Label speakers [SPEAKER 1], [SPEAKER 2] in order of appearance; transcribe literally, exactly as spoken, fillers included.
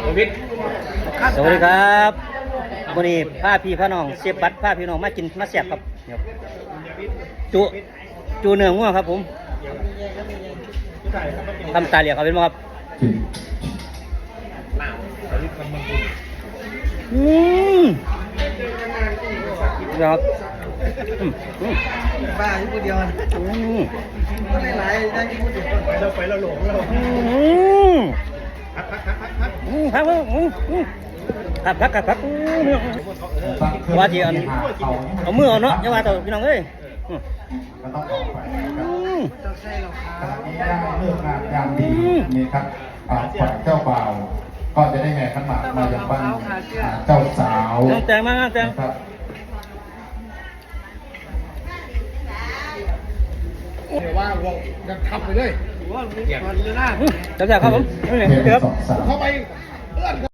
[SPEAKER 1] สวัสดีครับวันนี้พาพี่พาน้องเสียบบัตรพาพี่น้องมากินมาแซ่บครับจุจูเนื้องัวครับผมทำตาเหลียกเขาเป็นไหมครับอืมครับอืมอืม
[SPEAKER 2] บ้าอยู่คนเดียว
[SPEAKER 1] อืม
[SPEAKER 2] ก็หลายๆได้ที่พูดถึงเราไปเราหลงเรา
[SPEAKER 1] อืมพักพักพักพักอืมพักอืมอืมพักพักพักพักว่าที่อันเอามือเอาเนาะอย่าว่าแต่พี่น้องเอ้ยอืม
[SPEAKER 3] ก็ต้องออกไปนะครับ
[SPEAKER 1] อืม
[SPEAKER 2] ต้องใช่เราค
[SPEAKER 3] ข
[SPEAKER 2] รับ
[SPEAKER 3] ณะนี้ได้เลิกงานยามดีนี่ครับอ่าฝ่ายเจ้าบ่าวก็จะได้แห่ขันหมากมาจากบ้านอ่าเจ้าสาว
[SPEAKER 1] น้องแตงมาน้องแตง
[SPEAKER 3] นะครับ
[SPEAKER 2] ว่าวงจะทับไปเลยว่ามันเลยนะ
[SPEAKER 1] จับจับครับผมนี่
[SPEAKER 3] เพียง
[SPEAKER 1] เดี๋ยว
[SPEAKER 3] สองสาม
[SPEAKER 2] เข้าไป